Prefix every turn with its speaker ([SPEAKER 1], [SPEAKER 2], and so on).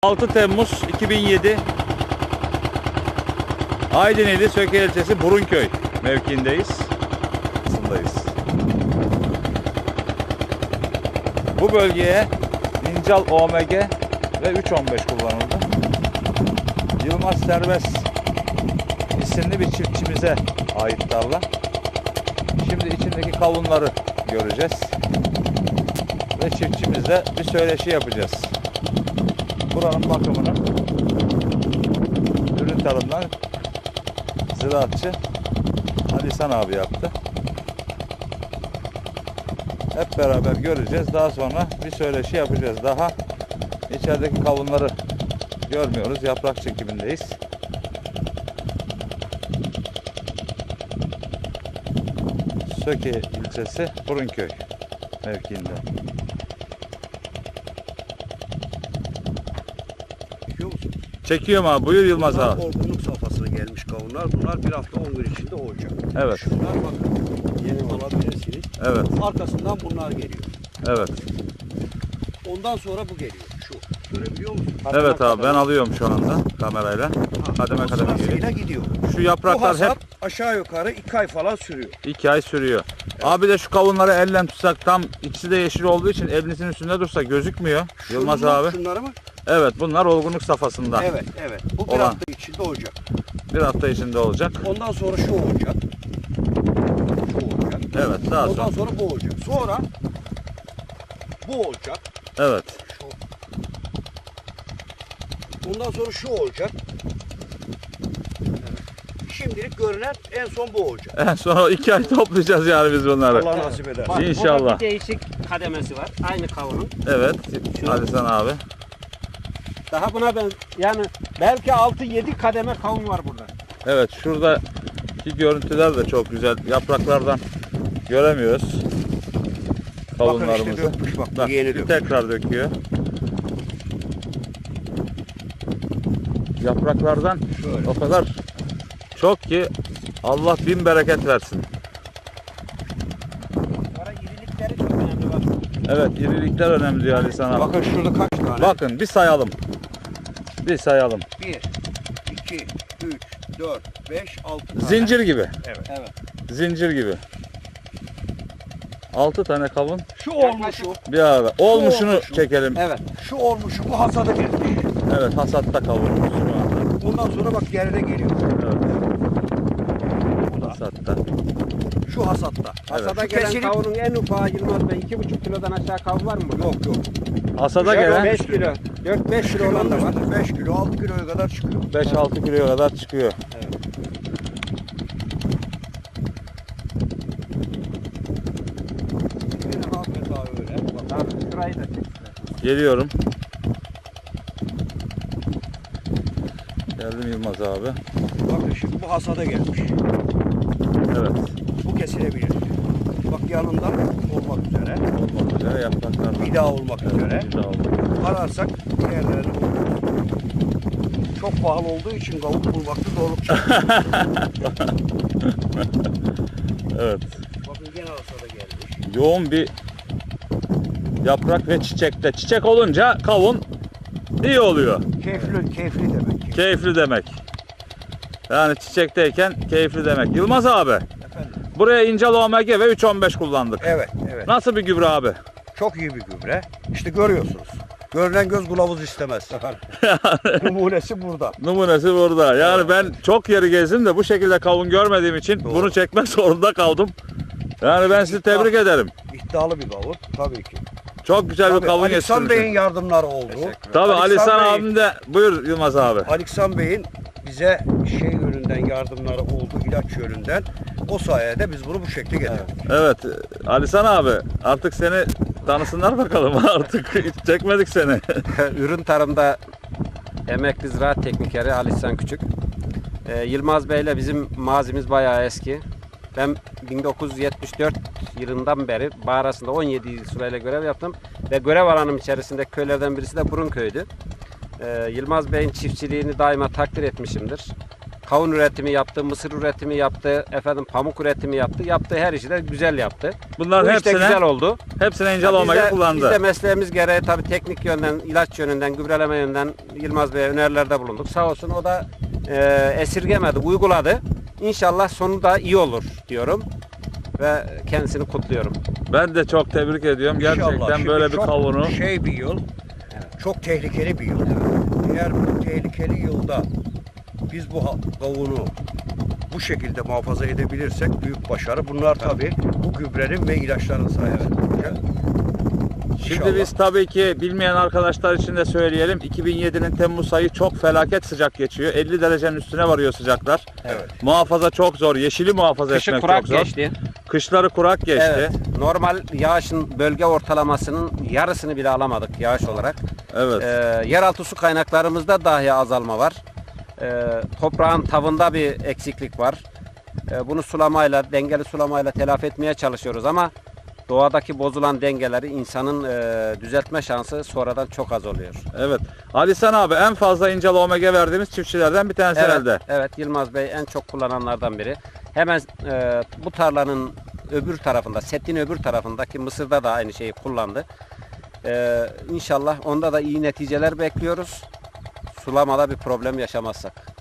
[SPEAKER 1] 6 Temmuz 2007 Aydın ili Söke ilçesi Burunköy mevkiindeyiz. Bu bölgeye Nincal OMG ve 315 kullanıldı. Yılmaz Serbest isimli bir çiftçimize ait tarla. Şimdi içindeki kavunları göreceğiz. Ve çiftçimizle bir söyleşi yapacağız. Buranın bakımını ürün tarımdan ziraatçı Alisan abi yaptı. Hep beraber göreceğiz. Daha sonra bir söyleşi yapacağız. Daha içerideki kavunları görmüyoruz. Yaprak çekimindeyiz. Söke ilçesi Burunköy mevkiinde.
[SPEAKER 2] Çekiyor musun?
[SPEAKER 1] Çekiyorum abi. Buyur Yılmaz abi.
[SPEAKER 2] Olgunluk safhasına gelmiş kavunlar. Bunlar bir hafta 10 gün içinde olacak.
[SPEAKER 1] Evet.
[SPEAKER 2] Şunlar bakın. Yeni alabilirsiniz.
[SPEAKER 1] Evet.
[SPEAKER 2] Arkasından bunlar geliyor.
[SPEAKER 1] Evet.
[SPEAKER 2] Ondan sonra bu geliyor. Şu. Görebiliyor musun?
[SPEAKER 1] Evet abi, ben alıyorum şu anda kamerayla. Kademe kademe geliyor.
[SPEAKER 2] Sırasıyla gidiyor.
[SPEAKER 1] Şu
[SPEAKER 2] Bu
[SPEAKER 1] yapraklar
[SPEAKER 2] hasat
[SPEAKER 1] hep
[SPEAKER 2] aşağı yukarı 2 ay falan sürüyor.
[SPEAKER 1] 2 ay sürüyor. Abi de şu kavunları elle tutsak, tam ikisi de yeşil olduğu için elinizin üstünde dursa gözükmüyor. Yılmaz abi.
[SPEAKER 2] Şunları mı?
[SPEAKER 1] Evet, bunlar olgunluk safhasında.
[SPEAKER 2] Evet, evet. Bu bir
[SPEAKER 1] Olan.
[SPEAKER 2] hafta içinde olacak.
[SPEAKER 1] Bir hafta içinde olacak.
[SPEAKER 2] Ondan sonra şu olacak. Şu olacak.
[SPEAKER 1] Evet, daha
[SPEAKER 2] Ondan
[SPEAKER 1] sonra.
[SPEAKER 2] sonra bu olacak. Sonra bu olacak.
[SPEAKER 1] Evet.
[SPEAKER 2] Şu. Ondan sonra şu olacak. Şimdilik görünen en son bu olacak.
[SPEAKER 1] En sonra 2 ay toplayacağız yani biz bunları.
[SPEAKER 2] Allah nasip eder.
[SPEAKER 3] Bak,
[SPEAKER 1] İnşallah.
[SPEAKER 3] burada bir değişik kademesi var. Aynı kavunun.
[SPEAKER 1] Evet. Alisan abi.
[SPEAKER 3] Daha buna ben yani belki 6-7 kademe kavun var burada.
[SPEAKER 1] Evet, şuradaki görüntüler de çok güzel. Yapraklardan göremiyoruz kavunlarımızı.
[SPEAKER 2] Bakın işte dökmüş bak.
[SPEAKER 1] Bak,
[SPEAKER 2] Yeni
[SPEAKER 1] bir
[SPEAKER 2] dökmüş.
[SPEAKER 1] tekrar döküyor. Yapraklardan
[SPEAKER 2] Şöyle.
[SPEAKER 1] o kadar çok ki Allah bin bereket versin.
[SPEAKER 3] Sonra irilikleri çok önemli bak.
[SPEAKER 1] Evet, irilikler önemli diyor Alisan abi.
[SPEAKER 2] Bakın şurada kaç tane?
[SPEAKER 1] Bakın bir sayalım. Bir sayalım.
[SPEAKER 2] 1, 2, 3, 4, 5, 6 tane.
[SPEAKER 1] Zincir gibi.
[SPEAKER 2] Evet. Evet.
[SPEAKER 1] Zincir gibi. 6 tane kavun
[SPEAKER 2] Şu olmuşu.
[SPEAKER 1] bir arada. Olmuşunu
[SPEAKER 2] olmuşu.
[SPEAKER 1] çekelim.
[SPEAKER 2] Evet. Şu olmuşu bu hasada gelmiş.
[SPEAKER 1] Evet, hasatta kavunumuz şu anda.
[SPEAKER 2] Ondan sonra bak geride geliyor.
[SPEAKER 1] Evet,
[SPEAKER 2] Bu da.
[SPEAKER 1] hasatta.
[SPEAKER 2] Şu hasatta.
[SPEAKER 3] Hasada
[SPEAKER 2] Şu
[SPEAKER 3] gelen
[SPEAKER 2] kesilip-
[SPEAKER 3] kavunun en ufağı Yılmaz Bey 2,5 kilodan aşağı kavun var mı?
[SPEAKER 2] Yok yok.
[SPEAKER 1] Hasada
[SPEAKER 3] Yok,
[SPEAKER 1] gelen
[SPEAKER 3] 5 kilo. 4-5 kilo olan da var.
[SPEAKER 2] 5 kilo 6 kiloya kadar çıkıyor.
[SPEAKER 1] 5-6 kiloya kadar çıkıyor.
[SPEAKER 2] Benim Ahmet abi öyle. Bak,
[SPEAKER 3] Abi şurayı da çek.
[SPEAKER 1] Geliyorum. Geldim Yılmaz abi.
[SPEAKER 2] bakın şimdi bu hasada gelmiş.
[SPEAKER 1] Evet.
[SPEAKER 2] Bu kesilebilir. Bak yanından olmak üzere.
[SPEAKER 1] Olmak üzere yapraklardan.
[SPEAKER 2] Bir daha olmak üzere.
[SPEAKER 1] Bir daha olmak üzere.
[SPEAKER 2] Ararsak diğerlerini buluruz. Çok pahalı olduğu için kavuk bulmakta zorluk çekiyor.
[SPEAKER 1] Evet.
[SPEAKER 2] Bakın gene hasada gelmiş.
[SPEAKER 1] Yoğun bir yaprak ve çiçekte. Çiçek olunca kavun iyi oluyor.
[SPEAKER 2] Keyifli demek.
[SPEAKER 1] Keyifli demek. Yani çiçekteyken keyifli demek. Yılmaz abi,
[SPEAKER 2] Efendim.
[SPEAKER 1] buraya Nincal OMG ve 315 kullandık.
[SPEAKER 2] Evet, evet.
[SPEAKER 1] Nasıl bir gübre abi?
[SPEAKER 2] Çok iyi bir gübre. İşte görüyorsunuz. Görünen göz kılavuz istemez. Numunesi burada.
[SPEAKER 1] Numunesi burada. Yani ben çok yeri gezdim de bu şekilde kavun görmediğim için
[SPEAKER 2] Doğru.
[SPEAKER 1] bunu çekmek zorunda kaldım. Yani ben sizi tebrik ederim.
[SPEAKER 2] İddialı bir kavun tabii ki.
[SPEAKER 1] Çok güzel bir
[SPEAKER 2] Tabii,
[SPEAKER 1] kavun
[SPEAKER 2] Aleksan Bey'in
[SPEAKER 1] yetiştirmişsin.
[SPEAKER 2] yardımları oldu.
[SPEAKER 1] Tabii
[SPEAKER 2] Aleksan
[SPEAKER 1] Alisan
[SPEAKER 2] Bey-
[SPEAKER 1] abim de, buyur Yılmaz abi.
[SPEAKER 2] Aleksan Bey'in bize şey yönünden yardımları oldu, ilaç yönünden. O sayede biz bunu bu şekilde getirdik.
[SPEAKER 1] Evet Alisan abi, artık seni tanısınlar bakalım. Artık hiç çekmedik seni.
[SPEAKER 3] Ürün tarımda emekli ziraat teknikeri Ali İhsan Küçük. Yılmaz Bey ile bizim mazimiz bayağı eski. Ben 1974 yılından beri Bağrası'nda 17 yıl süreyle görev yaptım. Ve görev alanım içerisinde köylerden birisi de Burunköy'dü. Yılmaz Bey'in çiftçiliğini daima takdir etmişimdir. kavun üretimi yaptı, mısır üretimi yaptı, pamuk üretimi yaptı. Yaptığı her işi de güzel yaptı.
[SPEAKER 1] Bunların
[SPEAKER 3] Bu işte güzel oldu.
[SPEAKER 1] hepsine İncel Omega kullandı.
[SPEAKER 3] Biz de mesleğimiz gereği tabii teknik yönden, ilaç yönünden, gübreleme yönden Yılmaz Bey'e önerilerde bulunduk. Sağ olsun o da esirgemedi, uyguladı. İnşallah sonu da iyi olur diyorum ve kendisini kutluyorum.
[SPEAKER 1] Ben de çok tebrik ediyorum.
[SPEAKER 2] İnşallah.
[SPEAKER 1] Gerçekten
[SPEAKER 2] Şimdi
[SPEAKER 1] böyle bir
[SPEAKER 2] çok
[SPEAKER 1] kavunu.
[SPEAKER 2] bir yıl, çok tehlikeli bir yıl. Eğer bu tehlikeli yılda biz bu kavunu bu şekilde muhafaza edebilirsek büyük başarı. Bunlar tabii bu gübrenin ve ilaçların sayesinde olacak.
[SPEAKER 1] Şimdi biz tabii ki bilmeyen arkadaşlar için de söyleyelim. 2007'nin Temmuz ayı çok felaket sıcak geçiyor. 50 derecenin üstüne varıyor sıcaklar.
[SPEAKER 2] Evet.
[SPEAKER 1] Muhafaza çok zor. Yeşili muhafaza
[SPEAKER 3] Kışı
[SPEAKER 1] etmek
[SPEAKER 3] kurak
[SPEAKER 1] çok zor.
[SPEAKER 3] geçti.
[SPEAKER 1] Kışları kurak geçti.
[SPEAKER 3] Evet. Normal yağışın bölge ortalamasının yarısını bile alamadık yağış olarak.
[SPEAKER 1] Evet.
[SPEAKER 3] Yeraltı su kaynaklarımızda dahi azalma var. Toprağın tavında bir eksiklik var. Bunu sulamayla, dengeli sulamayla telafi etmeye çalışıyoruz ama doğadaki bozulan dengeleri insanın düzeltme şansı sonradan çok az oluyor.
[SPEAKER 1] Evet. Ali Sen abi en fazla İncel Omega verdiğimiz çiftçilerden bir tanesi herhalde.
[SPEAKER 3] Evet, Yılmaz Bey en çok kullananlardan biri. Hemen bu tarlanın öbür tarafında, setin öbür tarafındaki mısırda da aynı şeyi kullandı. İnşallah onda da iyi neticeler bekliyoruz. Sulamada bir problem yaşamazsak.